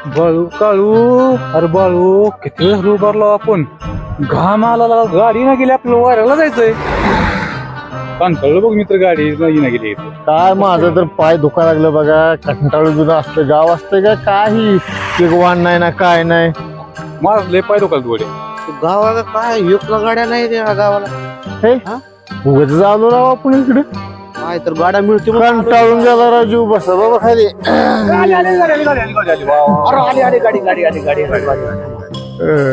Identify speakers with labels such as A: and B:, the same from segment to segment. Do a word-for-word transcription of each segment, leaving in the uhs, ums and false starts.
A: बाळू काळू अरे बाळू किती वेळ उभारलो आपण घाम आला लागा, गाडी ना गेली आपल्याला वाऱ्याला जायचंय. कंटाळलो बघ मित्र, गाडी नाही ना गेली.
B: काय माझं तर पाय दुखा लागलं बघा. कंटाळू जुनं असतं गाव असतं का काही एक वाण नाही ना काय नाही.
A: माझं लय पाय दुखाल थोडे.
C: गावाला काय युक्ला गाड्या नाही त्या गावाला.
B: हे उगाच झालो राव आपण इकडे.
C: काय तर गाड्या मिळते
B: कंटाळून गेला राव, जीव बसा बाबा खाली.
C: अरे आली आली गाडी गाडी आली गाडी
B: अं.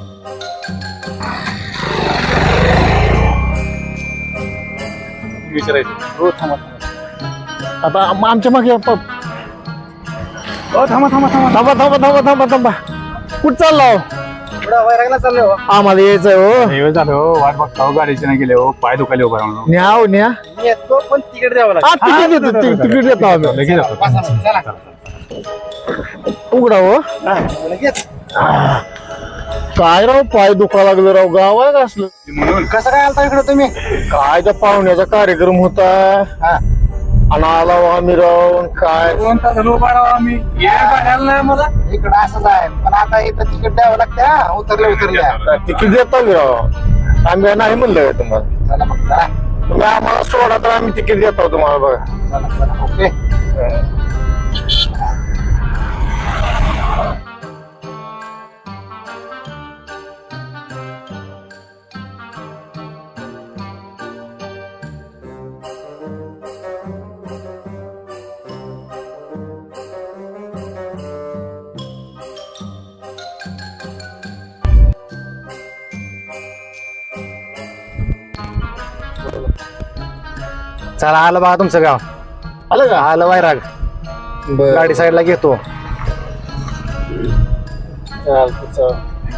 A: विचारायचं हो थांबा
B: आता आम- आमच्या मागे प-
A: हो थांबा थांबा थांबा
B: थांबा थांबा थांबा थांबा थांबा कुठं चालला हो?
C: वैरागला चाललो
B: आम्हाला यायचंय हो.
A: हे झालं हो, वाट बघता हो, गाडीचे नाही गेले हो, पाय दुखाले उभा राहून.
B: न्या हो न्या.
C: येतो पण तिकीट द्यावं
B: हा, तिकीट देतो ति- तिकीट देतो आम्ही.
A: लगेच जातो.
C: लागतं
B: उघडा हो.
C: लगेच
B: काय राव पाय दुखा लागलं राव, गावात असलं
A: म्हणून
C: कसं काय आलता इकडे तुम्ही?
B: काय त्या पाहुण्याचा कार्यक्रम होता आणि आला हो आम्ही राव. काय
A: दोन तास झालं उभा राहू आम्ही, ये गाड्याला नाही मला.
C: इकडं असंच आहे, पण आता इथं तिकीट द्यावं लागतं. हा, उतरले उतरल्या
B: तिकीट देतो आम्ही राव. आम्ही नाही म्हणलं का तुम्हाला.
C: चला मग चला
B: तुम्ही आम्हाला सोडा तर आम्ही तिकीट देतो तुम्हाला बघा.
C: चला चला ओके. चला आलं बघा तुमचं गाव.
B: आलं का?
C: आलं वैराग.
B: बरं.
C: गाडी साईडला घेतो.
B: चालतं, चालतं.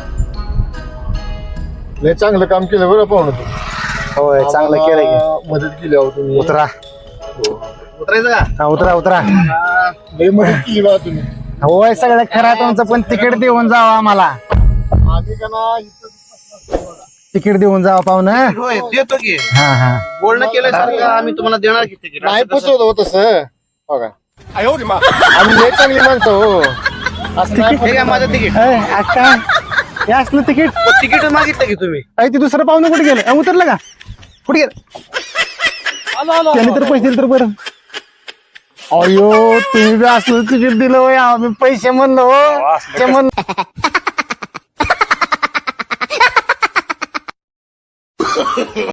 B: लय चांगलं काम केलं बरं पाहुणं तुम्ही.
C: होय चांगलं केलं की.
B: आम्हाला मदत केली अहो तुम्ही.
C: उतरा उतरायचं का? हा उतरा उतरा.
B: लय मदत केली बा तुम्ही.
C: होय सगळं खरं आहे तुमचं, पण तिकीट देऊन जावं आम्हाला.
B: आम्ही का ना इथं
C: तिकीट देऊन जावं पाहुणं.
D: होय देतो की
C: हा हा
D: बोलणं केल्यासारखं आम्ही तुम्हाला देणार की तिकीट
B: नाही फसवत हो तसं. हो का? आम्ही लय चांगली माणसं हो. असं नाही
D: हे घ्या माझं तिकीट.
C: ए, आ, काय हे असलं तिकीट?
D: तिकीट मागितलं की तुम्ही
C: अरे ते दुसरं पाहुणं कुठे गेलं? अ, उतरलं का? कुठे गेलं? त्याने तर पैसे दिले तर बरं. अयो तुम्ही बी असलं तिकीट दिलं होय, आम्ही पैसे म्हणलो हो. ते म्हणलं